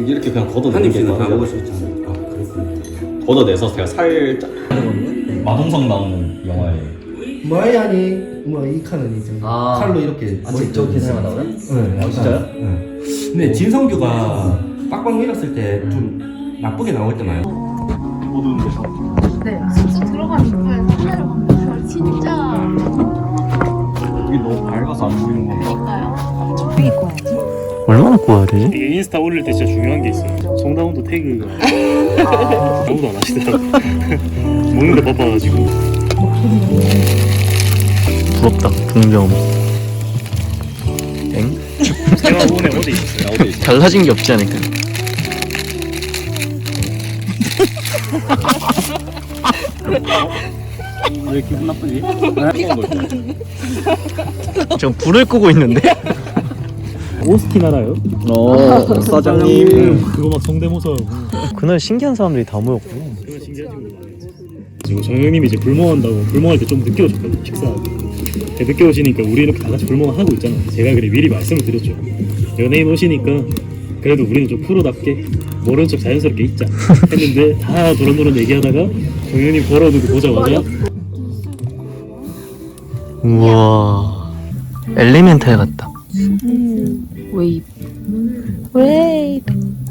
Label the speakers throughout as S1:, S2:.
S1: 이렇게 그냥 걷어내는 게 그냥 먹을 수 있잖아요. 아 그렇군요. 걷어내서 제가 살짝 마동석 나오는 영화에
S2: 뭐야니 뭐이 칸은 이제 칼로 이렇게
S3: 저 계산만 나오나?
S2: 네,
S3: 아, 진짜요?
S2: 네. 근데 진성규가 빡빡 밀었을 때 좀 나쁘게 나올 때나요?
S1: 어두운 데서
S4: 네, 숙소 들어가는 거에 카메라 보면 진짜
S1: 여기 너무 밝아서 안 보이는 건가?
S4: 그러니까요. 적당히 꺼야지.
S5: 얼마나 구워야 되지?
S6: 이게 인스타 올릴 때 진짜 중요한 게 있어요. 송다운도 태그가 아무도 안 하시더라고. 먹는데 바빠가지고.
S5: 부럽다. 동경. 엥?
S6: 대화원에 어디 있었어요?
S1: 어디 있어?
S5: 달라진 게 없지 않을까?
S1: 왜 기분 나쁘지?
S5: 저 불을 끄고 있는데?
S6: 오스틴 알아요?
S5: 사장님.
S6: 그거 막 성대모사하고.
S5: 그날 신기한 사람들이 다 모였구나.
S6: 그런 신기한 친구들 많아요. 그리고 정영님이 이제 불멍한다고 불멍할 때 좀 늦게 오셨거든요. 식사하고. 늦게 오시니까 우리 이렇게 다 같이 불멍을 하고 있잖아요. 제가 그래 미리 말씀을 드렸죠. 연예인 오시니까 그래도 우리는 좀 프로답게 모른 척 자연스럽게 있자 했는데 다 노릇노릇 얘기하다가 정영님 걸어오는 거 보자마자
S5: 우와. 엘리멘탈 같다.
S4: 웨이브. 웨이브.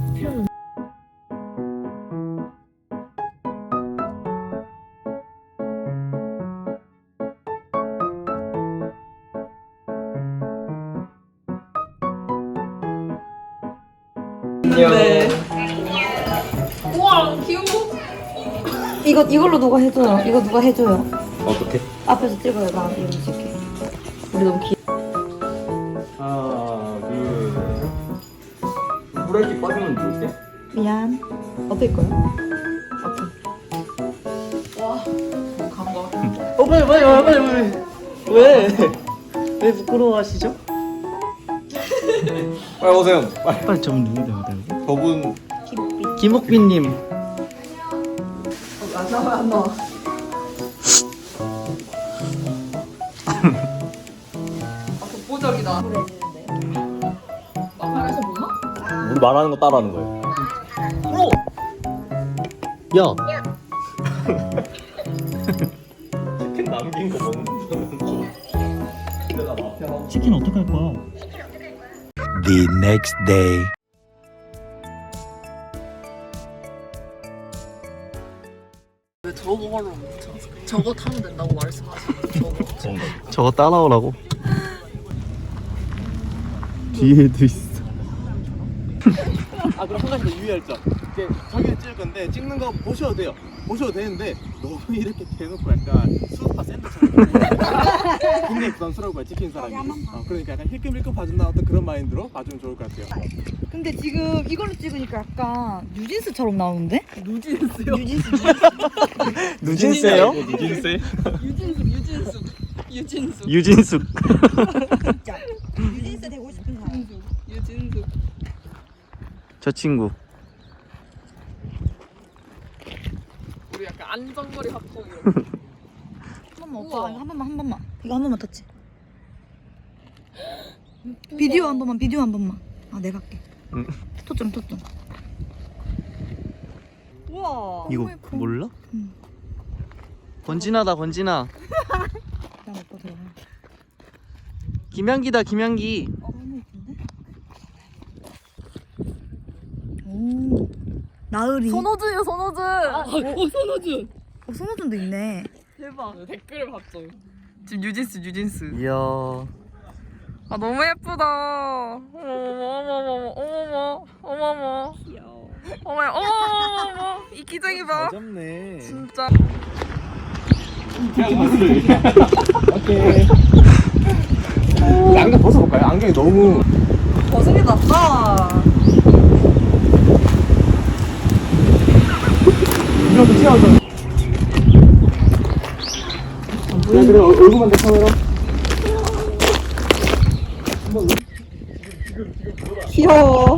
S7: 네. 우와 귀여워. 이걸로 누가 해줘요? 이거 누가 해줘요?
S1: 어떻게?
S7: 앞에서 찍어요. 나 이거 찍게. 우리 너무 귀.
S1: 하나 둘 브레이크 빠지면 좋을게.
S7: 미안. 어떨 거야?
S5: 왜 부끄러워하시죠?
S1: 빨리 오세요. 빨리.
S5: 빨리 좀 누군데 어디?
S1: 저분
S5: 김옥빈님.
S1: 우리 말하는 거 따라하는 거예요.
S5: 야.
S1: 치킨 남긴 거 먹는 거.
S6: 치킨 어떡할 거야?
S8: The next day.
S9: 왜 저거 하러 저거 타면 된다고 말씀하시는 저거
S5: 저거 따라오라고. 뒤에도 있어.
S3: 아 그럼 한 가지 더 유의할 점. 이제 자기를 찍을 건데 찍는 거 보셔도 돼요. 보셔도 되는데 너무 이렇게 대놓고 약간 수우파 센터처럼 굉장히 부담스러울 거야 찍힌 사람이. 그러니까 약간 힐끔힐끔 봐준다 어떤 그런 마인드로 봐주면 좋을 것 같아요.
S7: 근데 지금 이걸로 찍으니까 약간 뉴진스처럼 나오는데?
S9: 누진스요?
S5: 누진세요?
S1: 누진세?
S9: 유진숙
S5: 유진숙.
S7: 진짜. 뉴진스 되고 싶은 사람.
S9: 유진숙
S5: 저 친구.
S9: 우리 약간 안전거리 합성이요.
S7: 한 번만 오빠 이거 한 번만 이거 한 번만 터치. 비디오 한 번만. 아 내가 할게.
S5: 응.
S7: 토점. 우와.
S5: 이거 몰라?
S7: 응.
S5: 권진아다 권진아.
S7: 난 오빠 들어가.
S5: 김양기다 김양기.
S7: 너무 예쁜데? 오. 나으리.
S9: 손호준이요 손호준. 손호준.
S7: 손호준도 있네.
S9: 대박. 댓글을 봤죠. 지금 유진스.
S5: 이야.
S9: 아 너무 예쁘다. 어머머. 귀여워. 어머. 이 기쟁이 봐.
S5: 잡네.
S9: 진짜.
S1: 오케이. 안경 벗어볼까요? 안경이 너무.
S9: 벗은 게 낫다.
S1: 이렇게 튀어나와서. 그래 얼굴만 대 카메라.
S7: 귀여워.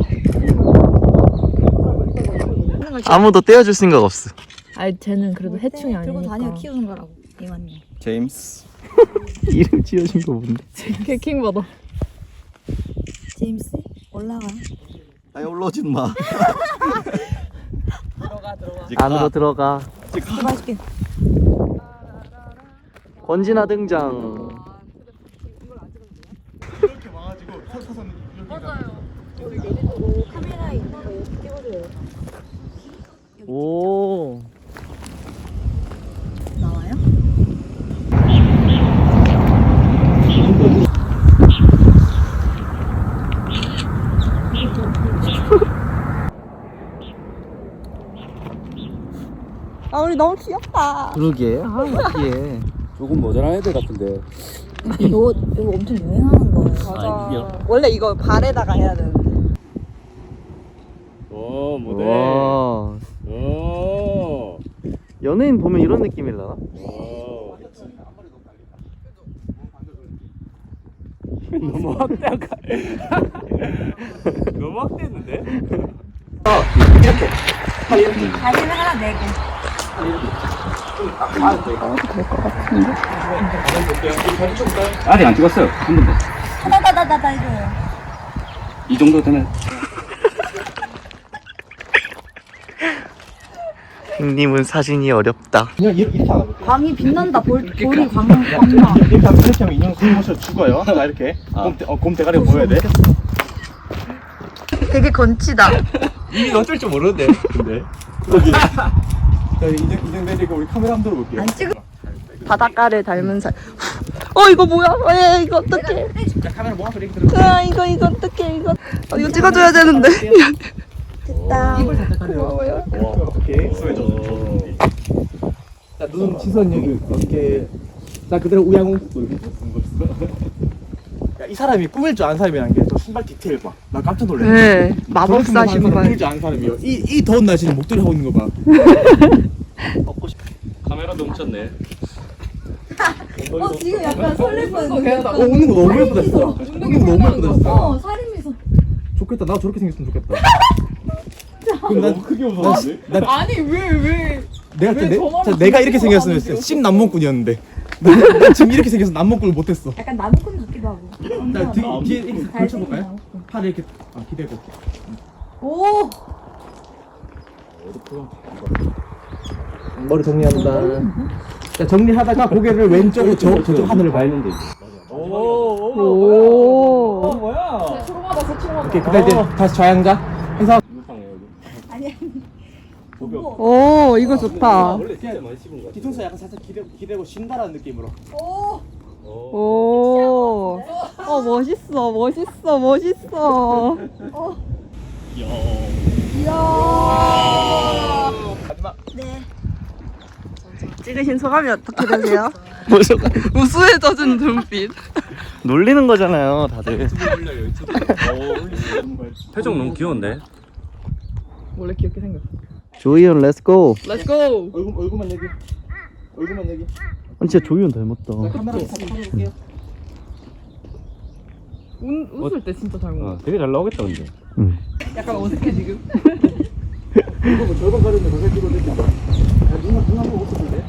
S5: 아무도 떼어줄 생각 없어.
S4: 아니 쟤는 그래도 해충이
S7: 들고
S4: 아니니까.
S7: 다녀 키우는 거라고. 이만님.
S1: 제임스.
S5: 이름 지어준 거 뭔데?
S4: 개킹 받아.
S7: 제임스 올라가.
S1: 아니 올라오지는 마.
S5: 안으로 들어가.
S7: 맛있게.
S5: 권진아 등장.
S3: 이렇게 와가지고 서서는 이렇게
S7: 카메라에 있는 거 찍어줘요.
S5: 오.
S7: 나와요? 아 우리 너무 귀엽다.
S5: 그러게. 아, 웃기해.
S2: 조금 모자란 애들 같은데.
S7: 이거 엄청 유행하는 거예요.
S5: 맞아.
S7: 원래 이거 발에다가 해야 되는데.
S2: 오 모델.
S5: 와.
S2: 오.
S5: 연예인 보면 이런 느낌일라나?
S2: 오. 너무 확대한 거. 너무 확대했는데?
S7: 다리를 하나 내고.
S2: 아직 안 찍었어요. 한 번도.
S7: 다다다다다 해줘요.
S2: 이 정도 되면.
S5: 형님은 사진이 어렵다.
S3: 그냥 이렇게 하나 볼게요.
S7: 광이 빛난다. 볼이 광나.
S3: 이렇게 하면 인형 숨 모셔 죽어요. 자 이렇게 곰 대가리가 보여야 돼.
S7: 되게 건치다.
S2: 이게 어쩔 줄 모르는데. 근데.
S3: 자 인형 내리고 우리 카메라 한번 들어볼게요.
S7: 안 찍어.
S9: 바닷가를 닮은 살. 이거 뭐야? 이거 어떡해?
S3: 자 카메라 뭐 앞에 이렇게 들어.
S9: 이거 어떡해? 이거 이거 찍어줘야 되는데.
S7: 됐다.
S9: 고마워요.
S3: 오케이. 자 눈 시선 여기 이렇게. 자 그대로 우양웅. 야이 사람이 꾸밀 줄 아는 사람이란 게 저 신발 디테일 봐. 나 깜짝 놀랐네.
S9: 네, 마법사 신발.
S3: 꾸밀 줄 아는 사람이요. 이 더운 날씨는 목도리 하고 있는 거 봐.
S1: 카메라도 훔쳤네.
S7: 지금 약간 설렐 뻔했어.
S3: 웃는 거 너무 예쁘다 진짜. 웃는 거 너무 예쁘다 진짜.
S7: 살인 미소.
S3: 좋겠다. 나 저렇게 생겼으면 좋겠다. 그럼 난 크게 웃었는데?
S9: 아니 왜?
S3: 내가
S9: 왜 저만한
S3: 진짜 내가 이렇게
S9: 생각을
S3: 생겼으면
S9: 하는데요?
S3: 씹 남몽꾼이었는데. 나 지금 이렇게 생겨서 남몽꾼을 못했어.
S7: 약간 나무꾼 같기도 하고.
S3: 자 뒤에 이렇게 걸쳐볼까요? 팔을 이렇게 기대고.
S7: 오.
S3: 머리 정리한다. 자 정리하다가 고개를 왼쪽으로 저쪽 하늘을 봐.
S2: 했는데.
S9: 오.
S3: 뭐야?
S9: 초롱하다 초롱하다.
S3: 오케이 그다음 이제 다시 좌양자 해서.
S7: 아니.
S9: 오, 이거 좋다.
S2: 원래 진짜 많이 씹은 거.
S3: 뒤통수 약간 살짝 기대고 쉰다라는 느낌으로.
S7: 오.
S9: 오. 멋있어.
S3: 마지막.
S7: 네.
S9: 찍으신 소감이 어떻게 되세요?
S5: 무슨
S9: 우수해져진 눈빛.
S5: 놀리는 거잖아요, 다들.
S2: 표정 너무 귀여운데.
S9: 원래 귀엽게 생겼어.
S5: 조이현 렛츠고.
S9: 렛츠고.
S3: 얼굴만 얘기. 얼굴만 얘기.
S5: 아니 진짜 조이현 닮았다.
S3: 카메라 볼게요.
S9: 웃을 때 진짜 잘 먹어.
S2: 되게 잘 나오겠다 근데.
S5: 응.
S9: 약간 어색해 지금.
S3: 이거 뭐 절반 가렸는데 더 생기고 됐다. 눈 한번 웃어볼래?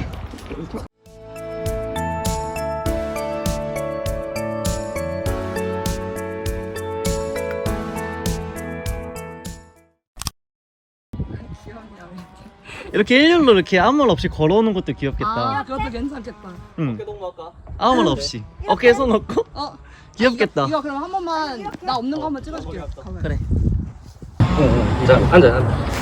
S5: 이렇게 일렬로 이렇게 아무 말 없이 걸어오는 것도 귀엽겠다.
S9: 그것도 괜찮겠다.
S5: 응. 아무 말 없이 어깨에 손 얹고. 귀엽겠다.
S9: 이거 그럼 한 번만 나 없는 거 한번 찍어줄게요. 카메라.
S5: 그래.
S2: 자 앉아.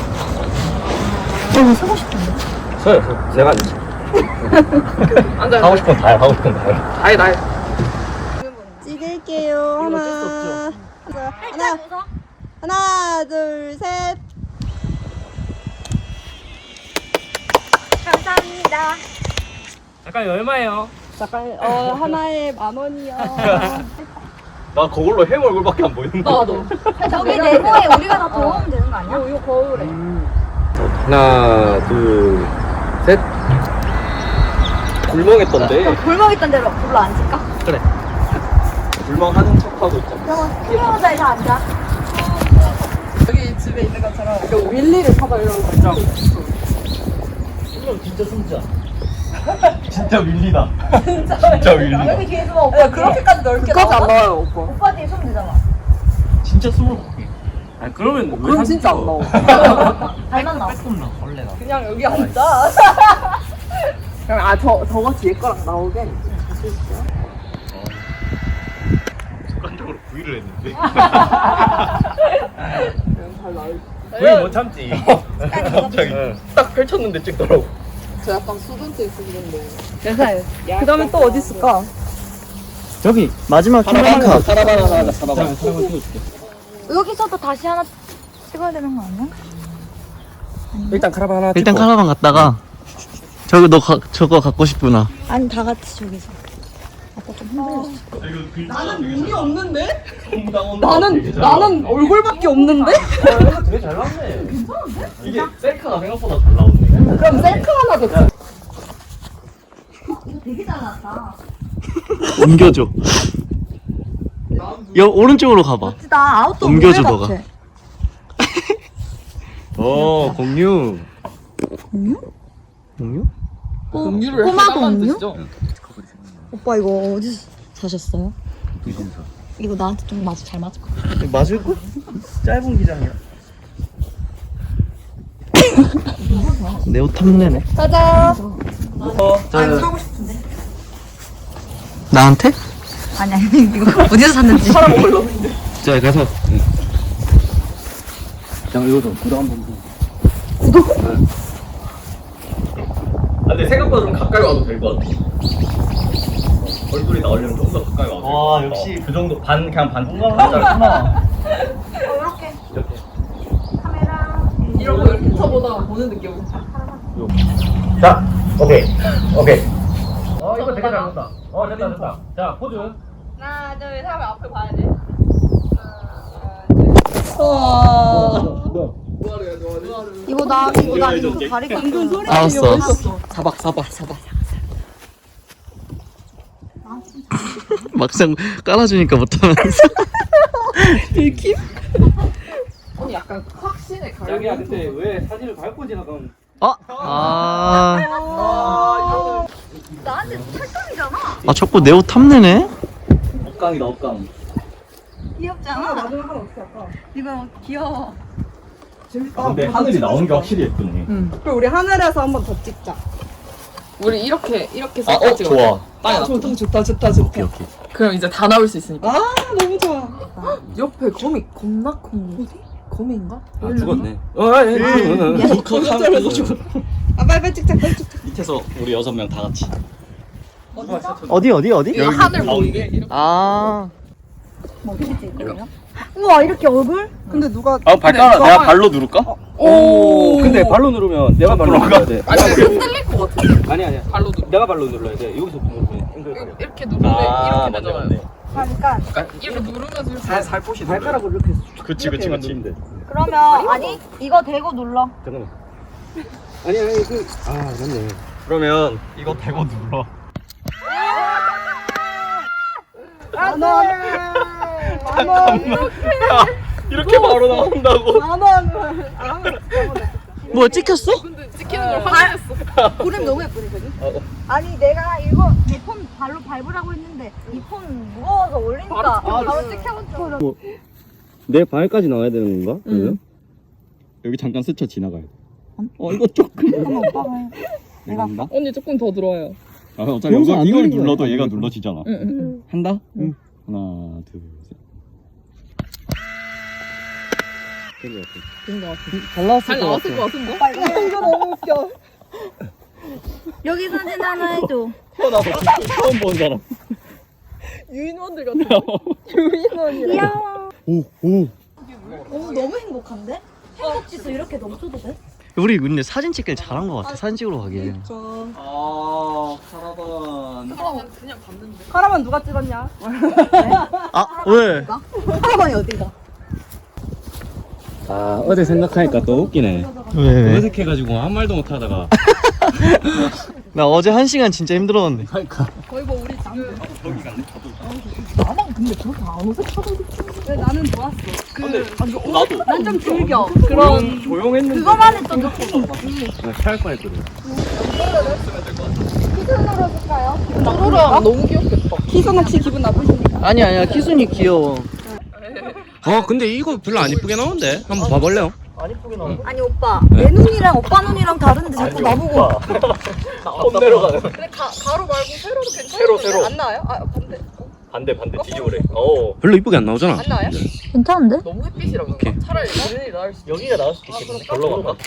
S7: 서고 싶은데.
S2: 서요. 제가 앉아. 하고 싶은 다 해. 하고 싶은 다 해. 다 해.
S9: 찍을게요. 하나, 둘, 셋.
S7: 감사합니다.
S2: 잠깐 얼마예요?
S9: 잠깐 하나에 10,000원이요.
S1: 나 그걸로 햄 얼굴밖에 안 보이는데.
S9: 나도.
S7: 저기 네모에 우리가 다 들어오면 되는 거 아니야?
S9: 이거 거울에.
S2: 하나, 둘, 셋.
S1: 불멍했던데.
S7: 골목 있던 데로 불러 앉을까?
S1: 불멍하는 척하고 있잖아.
S7: 그러면 수영자에서 앉아.
S9: 여기 집에 있는 것처럼 이거 윌리를 사다 이러고 진짜.
S1: 진짜 숨자. 진짜 밀리다. 진짜 밀리다.
S7: 여기 뒤에 숨어. 오빠
S9: 그렇게까지 넓게
S7: 그거지 안
S9: 나와요, 오빠.
S7: 오빠 뒤에 숨으면 되잖아.
S1: 진짜 숨을 못 쉬게.
S2: 아 그러면
S9: 그럼 진짜 안 나와. 발만 나와.
S2: 원래가.
S9: 그냥 여기 앉아. 그럼 저거 뒤에 거랑 나오게.
S3: 습관적으로 구이를 했는데.
S2: 왜 못 참지?
S3: 갑자기 딱 펼쳤는데 찍더라고.
S9: 저 약간 수전증 있으시던데. 괜찮아요. 그 다음에 또 어디 있을까?
S5: 저기 마지막 킹카.
S1: 사라바나 하자, 사라바나.
S4: 여기서도 다시 하나 찍어야 되는 거 아니야?
S2: 일단 카라반 하나
S5: 일단
S2: 찍고.
S5: 카라반 갔다가 저거 갖고 싶구나.
S4: 아니 다 같이 저기서. 아까 좀 힘들었어.
S9: 나는 눈이 없는데? 나는 얼굴밖에 없는데?
S2: 이거 되게 잘 나왔네.
S1: 이게 셀카가 생각보다 잘 나오네.
S9: 그럼 셀카 하나 더 찍.
S4: 되게 잘 나왔다.
S5: 옮겨줘. 오른쪽으로 가봐.
S9: 멋지다. 아웃도어
S5: 옮겨줘,
S9: 모델
S5: 너가.
S9: 같아.
S2: 공유.
S5: 공유?
S9: 음료를 꼬마도 음료? 오빠 이거 어디서 사셨어요? 이거 나한테 좀 잘 맞을 것 같아.
S5: 맞을걸? 짧은 기장이야. 내 옷 탐내네.
S9: 가자.
S5: 자,
S9: 사고 싶은데.
S5: 나한테?
S9: 아니 이거 어디서 샀는지. 사람 몰라.
S2: 자 가서.
S1: 자, 이거도 구독 한번 근데 생각보다 좀 가까이 와도 될 것 같아. 얼굴이 나오려면 좀 더 가까이 와도
S5: 와, 역시.
S1: 그 정도 그냥 반 공감하잖아.
S4: 이렇게.
S1: 이렇게.
S4: 카메라.
S9: 이런 거 이렇게 쳐보다가 보는 느낌.
S2: 자, 오케이. 이거 되게 잘 나왔다. 됐다. 자, 포즈.
S9: 하나 둘 셋 하면 앞을 봐야 돼. 와.
S4: 이거 나 이거 다리가
S9: 방금 소리
S5: 알았어.
S9: 사박.
S5: 막상 깔아주니까 못하면서.
S9: 들킴? 언니 약간 확신에 가려.
S2: 자기야, 근데 왜 사진을 밟고 지나가면?
S4: 나한테 찰떡이잖아.
S5: 자꾸 내 옷 탐내네?
S1: 억강이다, 억강.
S4: 귀엽잖아.
S9: 마지막 하나 어떻게 할까?
S4: 이거 귀여워.
S9: 재밌다.
S1: 근데 하늘이 나온 게 확실히 예쁘네.
S9: 그럼 우리 하늘에서 한 번 더 찍자. 우리 이렇게
S1: 좋아.
S9: 좋다.
S1: 오케이.
S9: 그럼 이제 다 나올 수 있으니까. 아 너무 좋아. 옆에 거미 겁나 큰 거. 거미인가?
S2: 아, 죽었네.
S9: 아 빨리 찍자.
S1: 밑에서 우리 6명 다 같이.
S5: 어디?
S9: 이거 하늘 보이게.
S4: 뭐 어떻게 찍을까요? 우와 이렇게 얼굴?
S9: 근데 누가?
S1: 발가락 내가 발로 누를까?
S9: 오.
S2: 근데 발로 누르면 내가 발로 눌러야 돼.
S9: 아니 흔들릴 것 같아.
S2: 아니야.
S9: 발로 누르.
S2: 내가 발로 눌러야 돼. 여기서 누르면 앵글.
S9: 이렇게 누르면 이렇게
S1: 맞네,
S9: 되잖아요.
S1: 맞네.
S4: 잠깐.
S9: 이렇게 누르면서 이렇게.
S2: 살포시 발가락으로 이렇게.
S1: 그치.
S4: 그러면 아니 이거 대고 눌러.
S2: 잠깐만. 아니 맞네.
S1: 그러면 이거 대고 눌러. 이렇게 바로 나온다고.
S5: 뭐야, 찍혔어?
S9: 찍히는 걸 확인했어.
S4: 그림 너무 예쁘거든. 아니 내가 이거 이 폰 발로 밟으라고 했는데 이 폰 무거워서 올리니까 바로 찍혀본 줄.
S2: 내 발까지 나와야 되는 건가? 그러면?
S1: 여기 잠깐 스쳐 지나가야 돼. 이거 조금.
S4: 잠깐만 오빠가 해.
S1: 내가 한다?
S9: 언니 조금 더 들어와요.
S1: 어차피
S2: 여기서 안
S1: 이걸
S2: 누르는
S1: 눌러도
S2: 거야.
S1: 얘가 눌러지잖아.
S9: 응.
S1: 한다? 응. 하나, 둘, 셋.
S5: 잘 나왔을
S9: 잘 나왔을 것 같은데?
S4: 이거 너무 웃겨. 여기 사진 하나 해줘.
S1: 처음 본 사람.
S9: 유인원들 같아. 유인원이야.
S4: 귀여워.
S1: 오.
S4: 너무 행복한데? 행복지수 이렇게 넘쳐도 돼?
S5: 우리 근데 사진 찍길 잘한 것 같아. 사진 찍으러 가길.
S1: 카라반.
S9: 그냥 봤는데.
S7: 카라반 누가 찍었냐?
S5: 왜?
S7: 카라반이 어디가?
S2: 아 어제 생각하니까 또 웃기네.
S5: 왜?
S2: 어색해가지고 한 말도 못 하다가.
S5: 나 어제 1시간 진짜 힘들었는데.
S7: 거의 뭐 우리 지금 나만 근데 그렇게 안 어색하거든. 왜 나는 좋았어.
S1: 나도.
S7: 난 좀 즐겨. 그런
S2: 조용했는데.
S4: 그거만 해도 느낌.
S2: 샤할 뻔했거든.
S9: 나로랑 너무 귀엽겠다.
S7: 희선 혹시 기분 나쁘십니까?
S5: 아니야, 키순이 귀여워.
S2: 근데 이거 별로 안 이쁘게 나오는데 한번 봐볼래요?
S4: 아니 오빠 내 눈이랑 오빠 눈이랑 다른데 자꾸 나보고
S1: 폼 내려가는.
S4: 근데 가로 말고 세로도 괜찮은데
S1: 세로.
S4: 안 나와요? 아 반대
S1: 반대 뒤집으래.
S2: 별로 이쁘게 안 나오잖아.
S4: 안 나와요?
S9: 괜찮은데?
S4: 너무 햇빛이라고
S2: 오케이.
S4: 차라리 그린이 나을 수
S1: 여기가 나올 수도 있겠네. 별로 간다.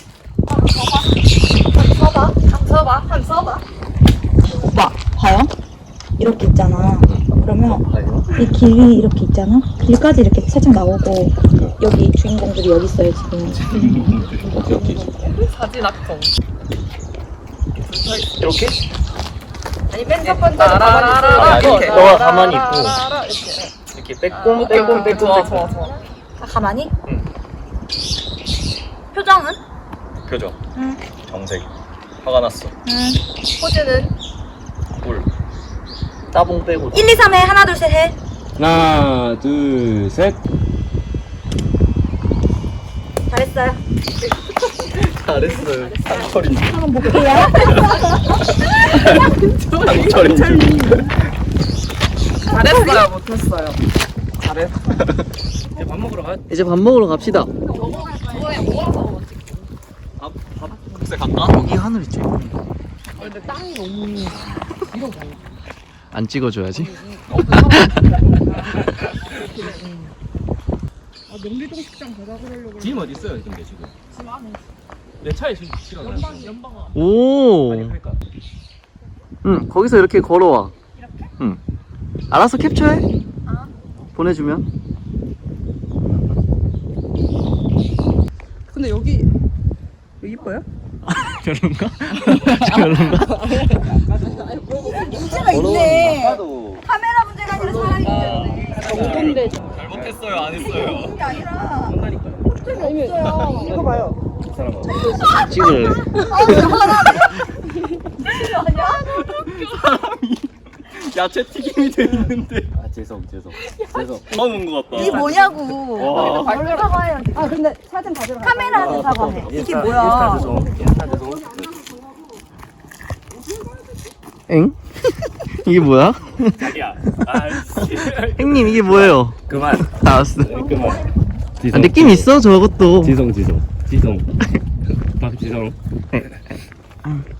S4: 한번 써봐
S9: 오빠 봐요. 이렇게 있잖아. 그러면 이 길이 이렇게 있잖아. 길까지 이렇게 살짝 나오고 여기 주인공들이 여기 있어요 지금.
S4: 사진 악성
S1: 이렇게?
S4: 아니 맨 첫 번째로 가만히 있어
S1: 너가 가만히 있고 이렇게 빼꼼
S4: 좋아 가만히? 표정은?
S1: 표정.
S4: 응.
S1: 정색. 화가 났어.
S4: 포즈는?
S1: 꿀. 따봉 빼고.
S4: 1, 2, 3해 하나 둘 셋 해
S2: 하나, 둘, 셋.
S4: 잘했어요
S1: 잘했어요. 상철이.
S9: 한번 볼게요.
S1: 상철이.
S4: 잘했어요 못했어요
S2: 이제 밥 먹으러 가.
S5: 이제 밥 먹으러 갑시다.
S1: 국세 갈까?
S5: 여기 하늘이 좀
S4: 근데 땅이 너무
S5: 안 찍어줘야지.
S2: 짐 어디 있어요, 근데 지금? 내 차에 실어놔.
S5: 오. 응, 거기서 이렇게 걸어와. 응. 알아서 캡처해. 보내주면.
S7: 근데 여기 이뻐요?
S5: 별론가? 별론가?
S4: 문제가 있네 카메라 문제가 아니라 사람이 문제네
S1: 잘못했어요. 안 했어요.
S4: 그게 아니라 문제가 없어요
S7: 이거 봐요.
S5: 찍을래.
S1: 야채 튀김이 돼 있는데.
S2: 아, 죄송.
S1: 넣어놓은 것 같다.
S4: 이게 뭐냐고
S1: 와.
S4: 얼른 사과해요
S7: 아 근데 사진 가져가.
S4: 카메라한테 사과해 이게 뭐야
S2: 인스타 죄송.
S5: 엥? 이게 뭐야?
S1: 자기야. 아이씨.
S5: 형님 이게 뭐예요?
S2: 그만.
S5: 나왔어.
S2: 그만.
S5: 아, 느낌 있어 저것도.
S2: 지성. 박지성.